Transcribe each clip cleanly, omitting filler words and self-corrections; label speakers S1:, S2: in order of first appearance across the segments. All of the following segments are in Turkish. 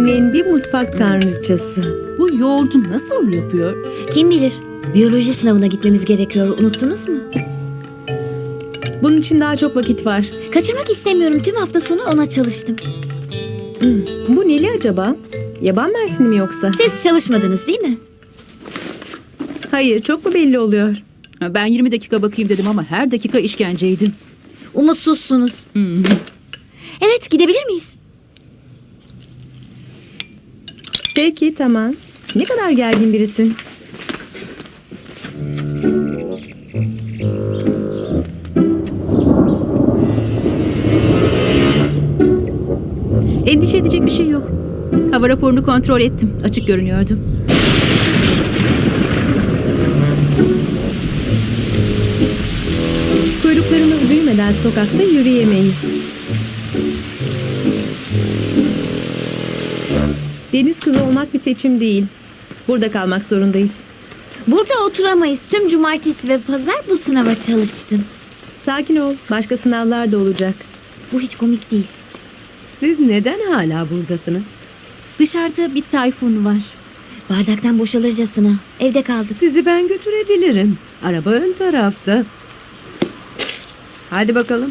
S1: Annen bir mutfak tanrıçası.
S2: Bu yoğurdu nasıl yapıyor?
S3: Kim bilir? Biyoloji sınavına gitmemiz gerekiyor. Unuttunuz mu?
S1: Bunun için daha çok vakit var.
S3: Kaçırmak istemiyorum. Tüm hafta sonu ona çalıştım.
S1: Bu neli acaba? Yaban mersini mi yoksa?
S3: Siz çalışmadınız değil mi?
S1: Hayır, çok mu belli oluyor?
S2: Ben 20 dakika bakayım dedim ama her dakika işkenceydim.
S3: Umutsuzsunuz. Evet, gidebilir miyiz?
S1: Peki, tamam. Ne kadar gergin birisin.
S2: Endişe edecek bir şey yok. Hava raporunu kontrol ettim. Açık görünüyordu.
S1: Kuyruklarımız büyümeden sokakta yürüyemeyiz. Deniz kızı olmak bir seçim değil. Burada kalmak zorundayız.
S3: Burada oturamayız. Tüm cumartesi ve pazar bu sınava çalıştım.
S1: Sakin ol. Başka sınavlar da olacak.
S3: Bu hiç komik değil.
S4: Siz neden hala buradasınız?
S2: Dışarıda bir tayfun var.
S3: Bardaktan boşalırcasına. Evde kaldık.
S4: Sizi ben götürebilirim. Araba ön tarafta. Hadi bakalım.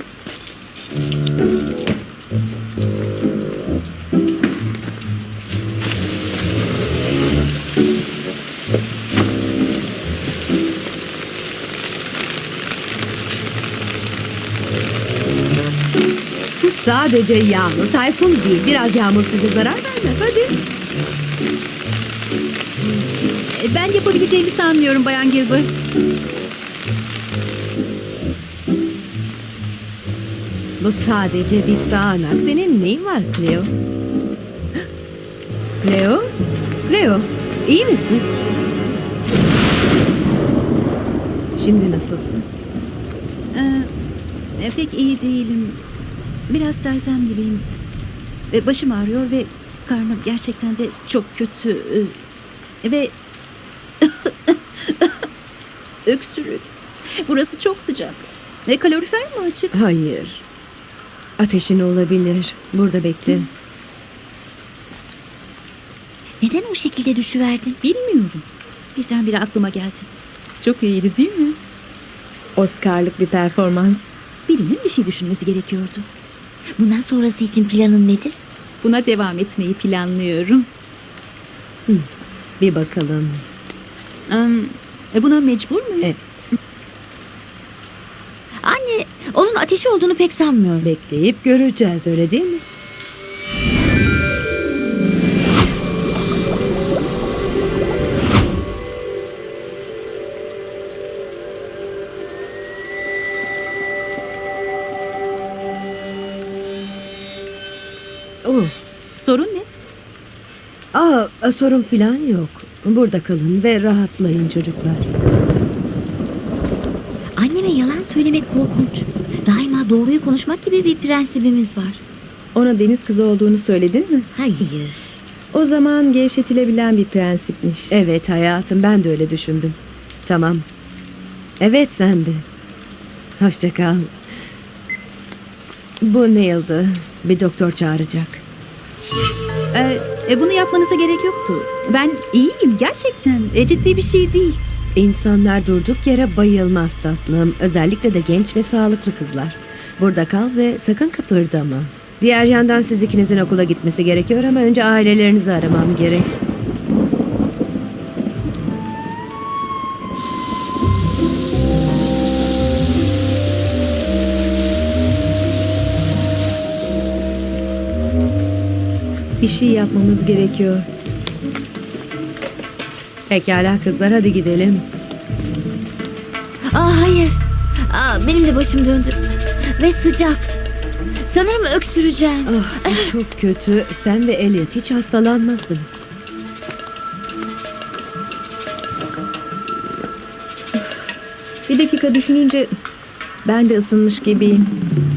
S4: Bu sadece yağmur, tayfun değil. Biraz yağmur size zarar vermez. Hadi.
S2: Ben yapabileceğimi sanmıyorum Bayan Gilbert.
S4: Bu sadece bir sağanak. Senin neyin var Cleo? Cleo? Cleo, iyi misin? Şimdi nasılsın?
S2: Pek iyi değilim. Biraz sersem gibiyim. Başım ağrıyor ve karnım gerçekten de çok kötü. Ve öksürük. Burası çok sıcak. Kalorifer mi açık?
S4: Hayır. Ateşin olabilir. Burada bekle.
S3: Neden o şekilde düşüverdin?
S2: Bilmiyorum. Birdenbire aklıma geldi. Çok iyiydi değil mi?
S1: Oscar'lık bir performans.
S2: Birinin bir şey düşünmesi gerekiyordu.
S3: Bundan sonrası için planın nedir?
S2: Buna devam etmeyi planlıyorum.
S4: Bir bakalım.
S2: Buna mecbur muyum?
S4: Evet.
S3: Anne, onun ateşi olduğunu pek sanmıyorum.
S4: Bekleyip göreceğiz, öyle değil mi? Oh.
S2: Sorun ne?
S4: Sorun filan yok. Burada kalın ve rahatlayın çocuklar.
S3: Anneme yalan söylemek korkunç. Daima doğruyu konuşmak gibi bir prensibimiz var.
S1: Ona deniz kızı olduğunu söyledin mi?
S3: Hayır.
S1: O zaman gevşetilebilen bir prensipmiş.
S4: Evet hayatım, ben de öyle düşündüm. Tamam. Evet, sen de. Hoşça kal. Bu Neil'dı. Bir doktor çağıracak.
S2: Bunu yapmanıza gerek yoktu. Ben iyiyim gerçekten. Ciddi bir şey değil.
S4: İnsanlar durduk yere bayılmaz tatlım. Özellikle de genç ve sağlıklı kızlar. Burada kal ve sakın kıpırdama. Diğer yandan siz ikinizin okula gitmesi gerekiyor ama önce ailelerinizi aramam gerek.
S1: Bir şey yapmamız gerekiyor.
S4: Pekala kızlar, hadi gidelim.
S3: Hayır. Benim de başım döndü. Ve sıcak. Sanırım öksüreceğim.
S4: Bu çok kötü. Sen ve Elliot hiç hastalanmazsınız.
S1: Bir dakika düşününce ben de ısınmış gibiyim.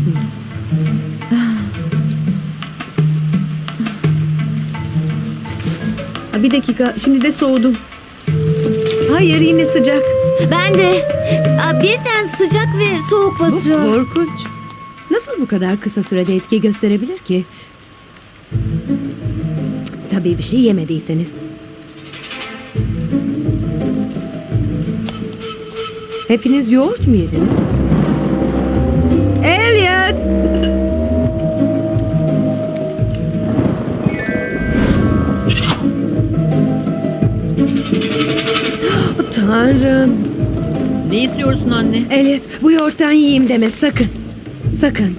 S1: Bir dakika, şimdi de soğudum. Hayır, yine sıcak.
S3: Ben de. Birden sıcak ve soğuk
S4: Bu
S3: basıyor.
S4: korkunç. Nasıl bu kadar kısa sürede etki gösterebilir ki? Tabii bir şey yemediyseniz. Hepiniz yoğurt mu yediniz? Elliot! Tanrım.
S1: Ne istiyorsun anne?
S4: Elliot, bu yoğurttan yiyeyim deme sakın. Sakın.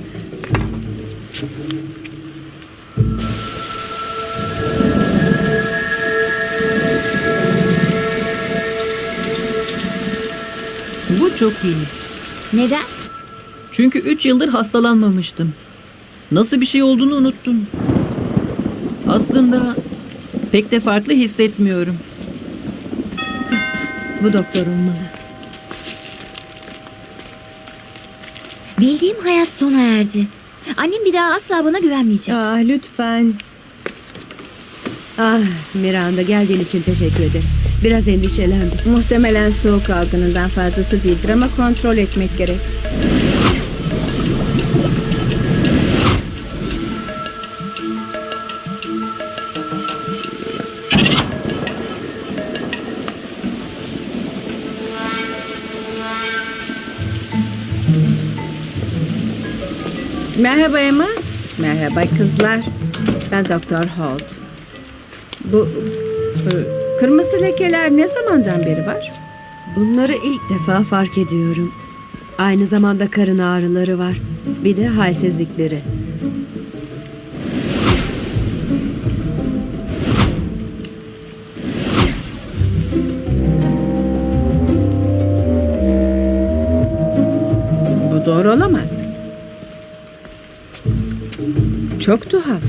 S1: Bu çok iyi.
S3: Neden?
S1: Çünkü 3 yıldır hastalanmamıştım. Nasıl bir şey olduğunu unuttum. Aslında pek de farklı hissetmiyorum.
S4: Bu doktor olmalı.
S3: Bildiğim hayat sona erdi. Annem bir daha asla bana güvenmeyecek.
S1: Lütfen.
S4: Ah Miranda, geldiğin için teşekkür ederim. Biraz endişelendim.
S5: Muhtemelen soğuk algınından fazlası değildir ama kontrol etmek gerek. Merhaba Emma. Merhaba kızlar. Ben Doktor Holt. Bu kırmızı lekeler ne zamandan beri var?
S4: Bunları ilk defa fark ediyorum. Aynı zamanda karın ağrıları var. Bir de halsizlikleri.
S5: Bu doğru olamaz. Çok tuhaf.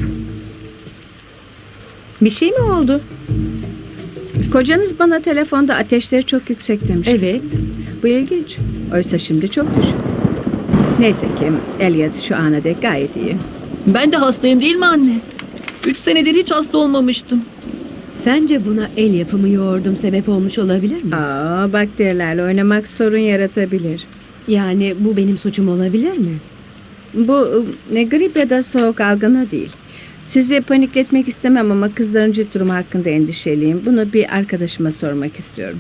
S1: Bir şey mi oldu?
S5: Kocanız bana telefonda ateşleri çok yüksek demiş.
S4: Evet.
S5: Bu ilginç. Oysa şimdi çok düşük. Neyse ki Elliot şu ana dek gayet iyi.
S1: Ben de hastayım değil mi anne? 3 senedir hiç hasta olmamıştım.
S4: Sence buna el yapımı yoğurdum sebep olmuş olabilir mi?
S5: Bakterilerle oynamak sorun yaratabilir.
S4: Yani bu benim suçum olabilir mi?
S5: Bu ne grip ya da soğuk algını değil. Sizi panikletmek istemem ama kızların ciddi durumu hakkında endişeliyim. Bunu bir arkadaşıma sormak istiyorum.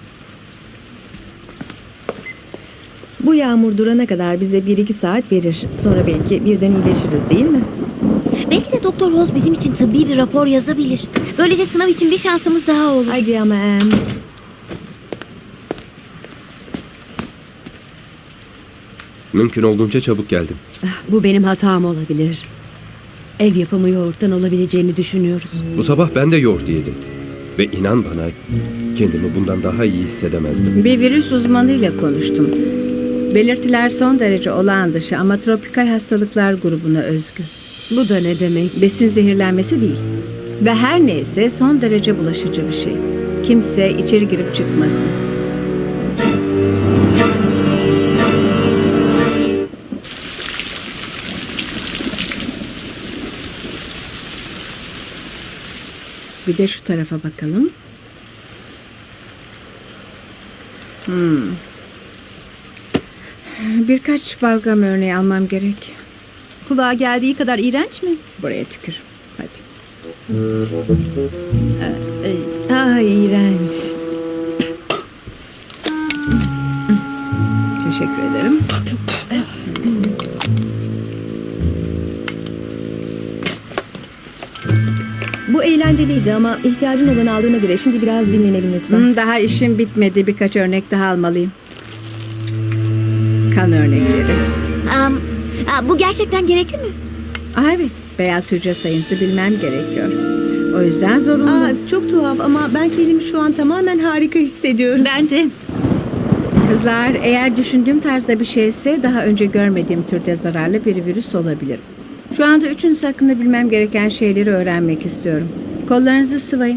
S6: Bu yağmur durana kadar bize 1-2 saat verir. Sonra belki birden iyileşiriz değil mi?
S3: Belki de Doktor Holt bizim için tıbbi bir rapor yazabilir. Böylece sınav için bir şansımız daha olur.
S6: Haydi ama
S7: Mümkün olduğunca çabuk geldim.
S4: Bu benim hatam olabilir. Ev yapımı yoğurttan olabileceğini düşünüyoruz.
S7: Bu sabah ben de yoğurt yedim. Ve inan bana kendimi bundan daha iyi hissedemezdim.
S5: Bir virüs uzmanıyla konuştum. Belirtiler son derece olağan dışı ama tropikal hastalıklar grubuna özgü.
S4: Bu da ne demek?
S5: Besin zehirlenmesi değil. Ve her neyse son derece bulaşıcı bir şey. Kimse içeri girip çıkmasın. Bir de şu tarafa bakalım. Birkaç balgam örneği almam gerek.
S2: Kulağa geldiği kadar iğrenç mi?
S5: Buraya tükür. Hadi.
S6: iğrenç.
S5: Teşekkür ederim.
S6: Bu eğlenceliydi ama ihtiyacın olan aldığına göre şimdi biraz dinlenelim lütfen.
S5: Daha işim bitmedi. Birkaç örnek daha almalıyım. Kan örnekleri.
S3: Bu gerçekten gerekli mi?
S5: Evet. Beyaz hücre sayısı bilmem gerekiyor. O yüzden zorunlu.
S6: Çok tuhaf ama ben kendimi şu an tamamen harika hissediyorum.
S2: Ben de.
S5: Kızlar, eğer düşündüğüm tarzda bir şeyse daha önce görmediğim türde zararlı bir virüs olabilir. Şu anda üçünüz hakkında bilmem gereken şeyleri öğrenmek istiyorum. Kollarınızı sıvayın.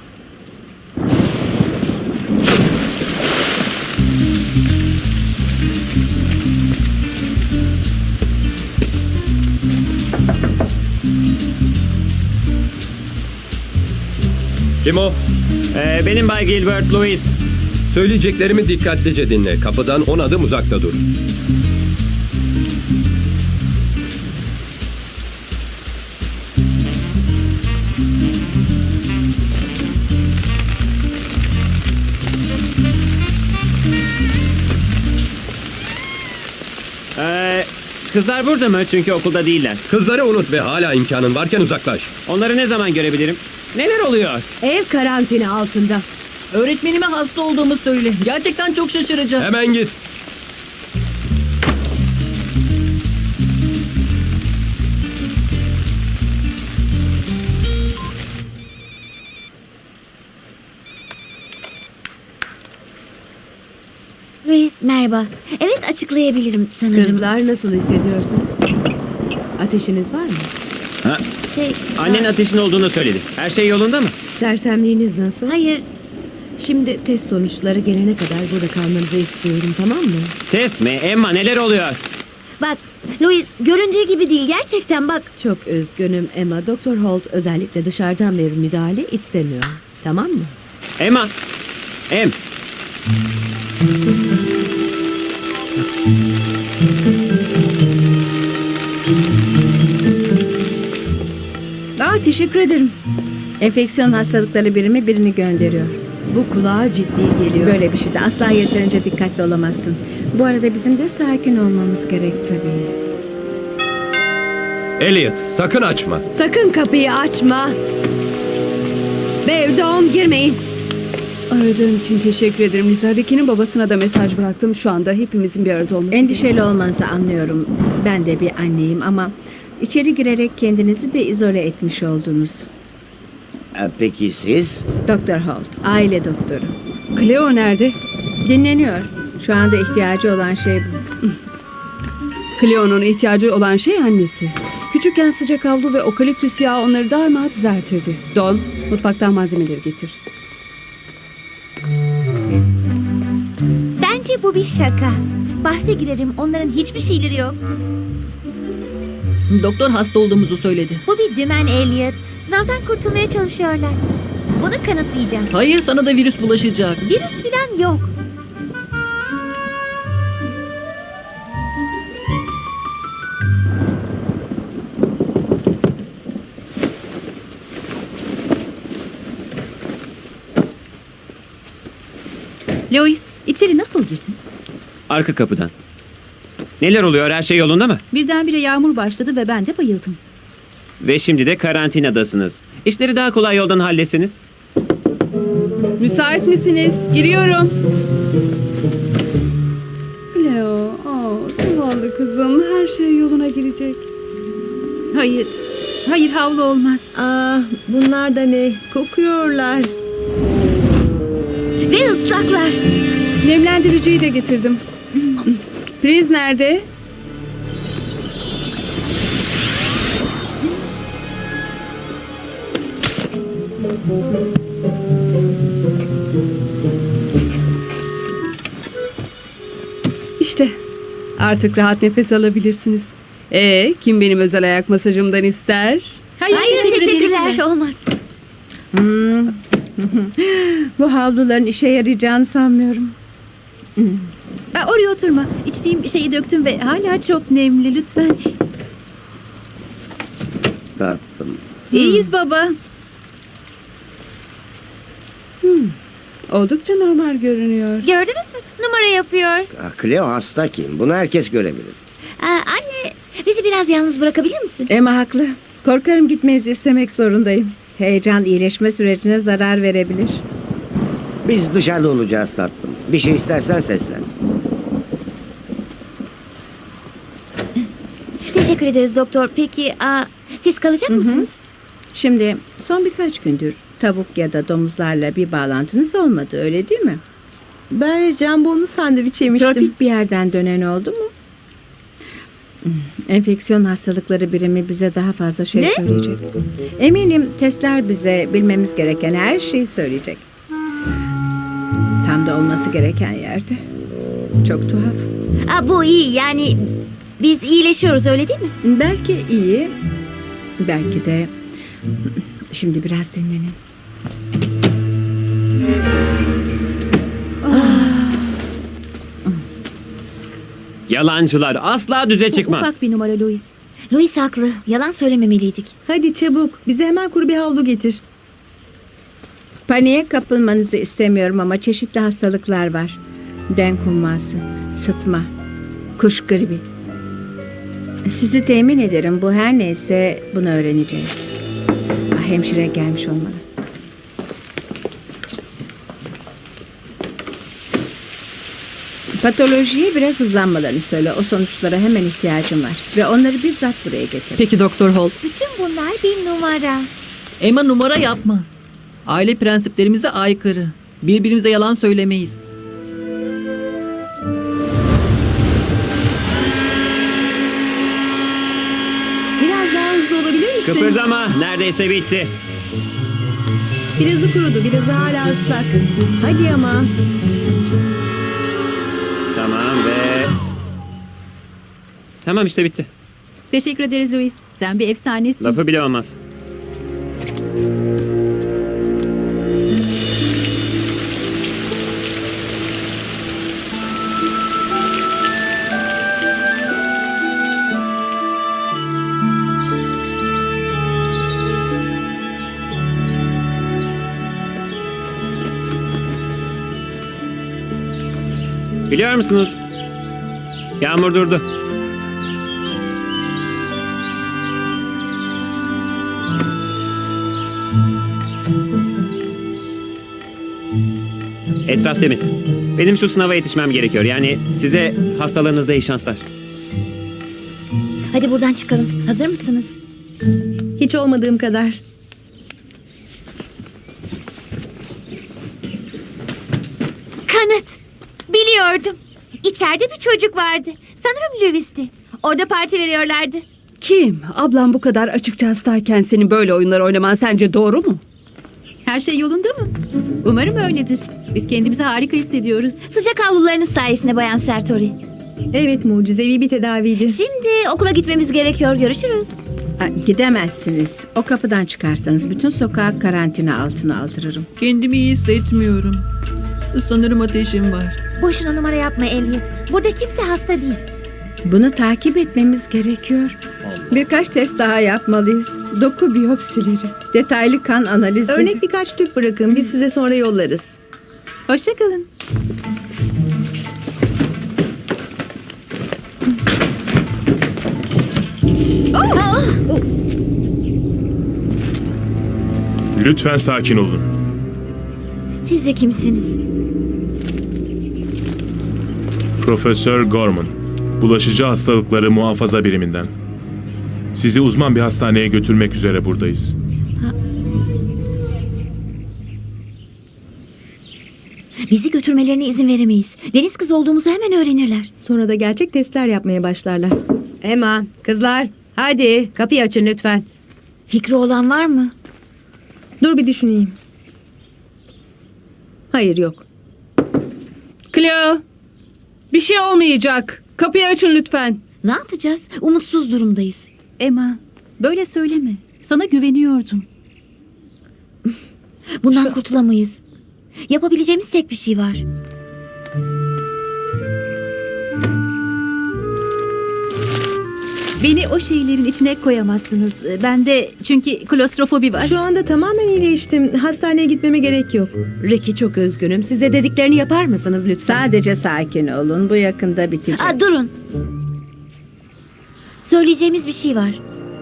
S8: Kim o? Benim Bay Gilbert Louis.
S7: Söyleyeceklerimi dikkatlice dinle. Kapıdan 10 adım uzakta dur.
S8: Kızlar burada mı? Çünkü okulda değiller.
S7: Kızları unut ve hala imkanın varken uzaklaş.
S8: Onları ne zaman görebilirim? Neler oluyor?
S4: Ev karantina altında.
S1: Öğretmenime hasta olduğumu söyle. Gerçekten çok şaşıracağım.
S7: Hemen git.
S3: Louis merhaba. Evet açıklayabilirim sanırım.
S4: Kızlar nasıl hissediyorsunuz? Ateşiniz var mı?
S3: Şey,
S8: Annen ateşin olduğunu söyledi. Her şey yolunda mı?
S4: Sersemliğiniz nasıl?
S3: hayır.
S4: Şimdi test sonuçları gelene kadar burada kalmanızı istiyorum, tamam mı?
S8: Test mi? Emma neler oluyor?
S3: Bak Louis göründüğü gibi değil gerçekten bak.
S4: Çok üzgünüm Emma. Doktor Holt özellikle dışarıdan bir müdahale istemiyor. Tamam mı?
S8: Emma. Em.
S5: Teşekkür ederim. Enfeksiyon hastalıkları birimi birini gönderiyor.
S4: Bu kulağa ciddi geliyor.
S5: Böyle bir şeyde asla yeterince dikkatli olamazsın. Bu arada bizim de sakin olmamız gerek tabii.
S7: Elliot, sakın açma.
S4: Sakın kapıyı açma. Ve Dawn girmeyin.
S9: Aradığın için teşekkür ederim Lisa. Ricky'nin babasına da mesaj bıraktım. Şu anda hepimizin bir arada olması
S5: Endişeli olmanızı anlıyorum. Ben de bir anneyim ama içeri girerek kendinizi de izole etmiş oldunuz.
S10: Peki siz?
S5: Doktor Holt, aile doktoru.
S9: Cleo nerede?
S5: Dinleniyor. Şu anda ihtiyacı olan şey bu.
S9: Cleo'nun ihtiyacı olan şey annesi. Küçükken sıcak havlu ve okaliptüs yağı onları darma düzeltirdi. Don, mutfaktan malzemeleri getir.
S11: Bence bu bir şaka. Bahse girerim, onların hiçbir şeyleri yok.
S1: Doktor hasta olduğumuzu söyledi.
S11: Bu bir dümen Elliot. Sınavdan kurtulmaya çalışıyorlar. Bunu kanıtlayacağım.
S1: Hayır, sana da virüs bulaşacak.
S11: Virüs falan yok.
S2: Louis, içeri nasıl girdin?
S8: Arka kapıdan. Neler oluyor? Her şey yolunda mı?
S2: Birdenbire yağmur başladı ve ben de bayıldım.
S8: Ve şimdi de karantinadasınız. İşleri daha kolay yoldan halletsiniz.
S9: Müsait misiniz? Giriyorum. Cleo, zavallı kızım. Her şey yoluna girecek.
S2: Hayır, hayır havlu olmaz.
S6: Bunlar da ne? Kokuyorlar.
S3: Ve ıslaklar.
S9: Nemlendiriciyi de getirdim. Priz nerede? İşte artık rahat nefes alabilirsiniz. Kim benim özel ayak masajımdan ister?
S3: Hayır teşekkürler. Olmaz.
S5: Bu havluların işe yarayacağını sanmıyorum.
S2: Oraya oturma. İçtiğim şeyi döktüm ve hala çok nemli. Lütfen.
S10: Tatlım.
S2: İyiyiz baba.
S9: Oldukça normal görünüyor.
S11: Gördünüz mü? Numara yapıyor.
S10: Cleo hasta kim? Bunu herkes görebilir.
S3: Anne bizi biraz yalnız bırakabilir misin?
S5: Emma haklı. Korkarım gitmenizi istemek zorundayım. Heyecan iyileşme sürecine zarar verebilir.
S10: Biz dışarıda olacağız tatlım. Bir şey istersen seslen.
S3: Teşekkür ederiz doktor. Peki siz kalacak mısınız?
S5: Şimdi son birkaç gündür tavuk ya da domuzlarla bir bağlantınız olmadı öyle değil mi?
S6: Ben jambonlu sandviç yemiştim.
S5: Tropik bir yerden dönen oldu mu? Enfeksiyon hastalıkları birimi bize daha fazla şey söyleyecek. Eminim testler bize bilmemiz gereken her şeyi söyleyecek. Tam da olması gereken yerde. Çok tuhaf.
S3: Bu iyi yani biz iyileşiyoruz öyle değil mi?
S5: Belki iyi, belki de şimdi biraz dinlenin.
S8: Yalancılar asla düze çıkmaz.
S2: Ufak bir numara Louis.
S3: Louis haklı. Yalan söylememeliydik.
S6: Hadi çabuk. Bize hemen kuru bir havlu getir.
S5: Paniğe kapılmanızı istemiyorum ama çeşitli hastalıklar var. Denk humması, sıtma, kuş gribi. Sizi temin ederim. Bu her neyse bunu öğreneceğiz. Hemşire gelmiş olmalı. Patolojiye biraz hızlanmalarını söyle. O sonuçlara hemen ihtiyacım var. Ve onları bizzat buraya getir.
S12: Peki Doktor Holt.
S11: Bütün bunlar bir numara.
S12: Emma numara yapmaz. Aile prensiplerimize aykırı. Birbirimize yalan söylemeyiz.
S1: Biraz daha hızlı olabilir misin?
S8: Kıpırdama. Neredeyse bitti.
S6: Birazı kurudu, birazı hala ıslak. Hadi ama.
S8: Tamam ve... Tamam işte bitti.
S2: Teşekkür ederiz Louis. Sen bir efsanesin.
S8: Lafı bile olmaz. Biliyor musunuz? Yağmur durdu. Etraf temiz. Benim şu sınava yetişmem gerekiyor. Yani size hastalığınızda iyi şanslar.
S3: Hadi buradan çıkalım. Hazır mısınız?
S6: Hiç olmadığım kadar.
S11: Kanıt. Biliyordum. İçeride bir çocuk vardı. Sanırım Lewis'ti. Orada parti veriyorlardı.
S9: Kim? Ablam bu kadar açıkça hastayken senin böyle oyunlar oynaman sence doğru mu?
S2: Her şey yolunda mı? Umarım öyledir. Biz kendimizi harika hissediyoruz.
S3: Sıcak havlularınız sayesinde Bayan Sertori.
S6: Evet, mucizevi bir tedaviydi.
S3: Şimdi okula gitmemiz gerekiyor. Görüşürüz.
S5: Gidemezsiniz. O kapıdan çıkarsanız bütün sokağı karantina altına aldırırım.
S12: Kendimi iyi hissetmiyorum. Sanırım ateşim var.
S11: Boşuna numara yapma Elliot. Burada kimse hasta değil.
S5: Bunu takip etmemiz gerekiyor. Birkaç test daha yapmalıyız. Doku biyopsileri, detaylı kan analizleri.
S6: Örnek birkaç tüp bırakın, biz size sonra yollarız.
S2: Hoşçakalın.
S13: Lütfen sakin olun.
S3: Siz de kimsiniz?
S13: Profesör Gorman, bulaşıcı hastalıkları muhafaza biriminden. Sizi uzman bir hastaneye götürmek üzere buradayız.
S3: Bizi götürmelerine izin veremeyiz. Deniz kızı olduğumuzu hemen öğrenirler.
S6: Sonra da gerçek testler yapmaya başlarlar.
S4: Emma, kızlar, hadi kapıyı açın lütfen.
S3: Fikri olan var mı?
S6: Dur bir düşüneyim. Hayır, yok.
S9: Cleo, bir şey olmayacak. Kapıyı açın lütfen.
S3: Ne yapacağız? Umutsuz durumdayız.
S2: Emma, böyle söyleme. Sana güveniyordum.
S3: Bundan kurtulamayız. Yapabileceğimiz tek bir şey var.
S2: Beni o şeylerin içine koyamazsınız. Bende çünkü klostrofobi var.
S6: Şu anda tamamen iyileştim. Hastaneye gitmeme gerek yok.
S4: Ricky, çok üzgünüm. Size dediklerini yapar mısınız lütfen?
S5: Sadece sakin olun. Bu yakında bitecek.
S3: Durun. Söyleyeceğimiz bir şey var.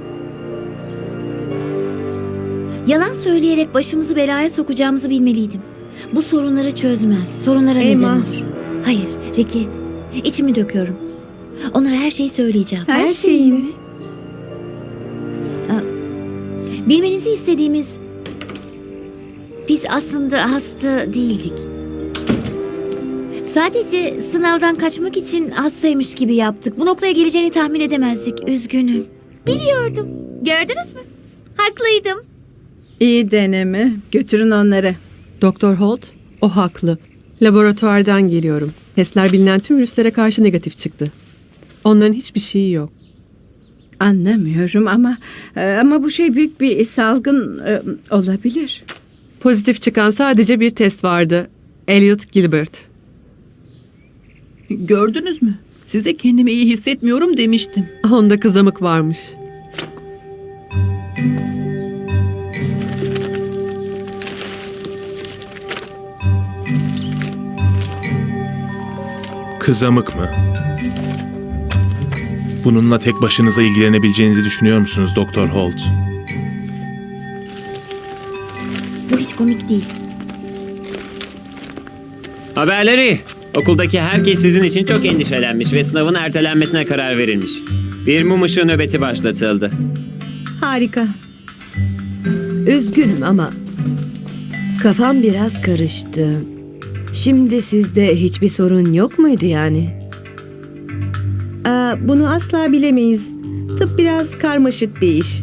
S3: Yalan söyleyerek başımızı belaya sokacağımızı bilmeliydim. Bu sorunları çözmez. Sorunlara
S6: Emma.
S3: neden olur. Hayır, Ricky. İçimi döküyorum. Onlara her şeyi söyleyeceğim.
S6: Her şeyi mi?
S3: Bilmenizi istediğimiz... Biz aslında hasta değildik. Sadece sınavdan kaçmak için hastaymış gibi yaptık. Bu noktaya geleceğini tahmin edemezdik. Üzgünüm.
S11: Biliyordum. Gördünüz mü? Haklıydım.
S5: İyi deneme. Götürün onları.
S12: Doktor Holt, o haklı. Laboratuvardan geliyorum. Testler bilinen tüm virüslere karşı negatif çıktı. Onların hiçbir şeyi yok.
S5: Anlamıyorum ama bu şey büyük bir salgın olabilir.
S12: Pozitif çıkan sadece bir test vardı. Elliot Gilbert. Gördünüz mü? Size kendimi iyi hissetmiyorum demiştim. Onda kızamık varmış.
S13: Kızamık mı? Bununla tek başınıza ilgilenebileceğinizi düşünüyor musunuz Doktor Holt?
S3: Bu hiç komik değil.
S8: Haberleri. Okuldaki herkes sizin için çok endişelenmiş ve sınavın ertelenmesine karar verilmiş. Bir mum ışığı nöbeti başlatıldı.
S6: Harika.
S4: Üzgünüm ama kafam biraz karıştı. Şimdi sizde hiçbir sorun yok muydu yani?
S6: Bunu asla bilemeyiz. Tıp biraz karmaşık bir iş.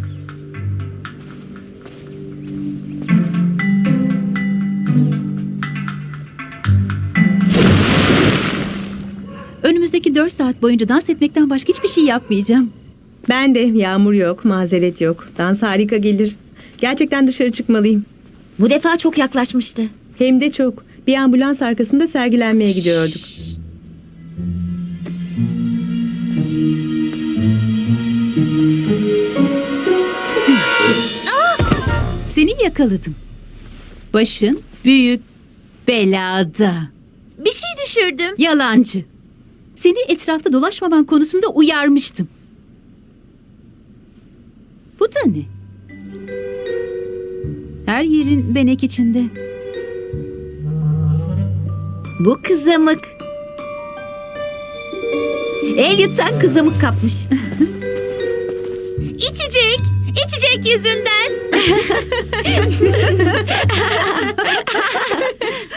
S2: Önümüzdeki 4 saat boyunca dans etmekten başka hiçbir şey yapmayacağım.
S6: Ben de yağmur yok, mazeret yok. Dans harika gelir. Gerçekten dışarı çıkmalıyım.
S3: Bu defa çok yaklaşmıştı.
S6: Hem de çok. Bir ambulans arkasında sergilenmeye gidiyorduk.
S2: Seni yakaladım. Başın büyük belada.
S11: Bir şey düşürdüm.
S2: Yalancı. Seni etrafta dolaşmaman konusunda uyarmıştım. Bu da ne? Her yerin benek içinde.
S3: Bu kızamık. Elliot'tan kızamık kapmış.
S11: İçecek. İçecek yüzünden.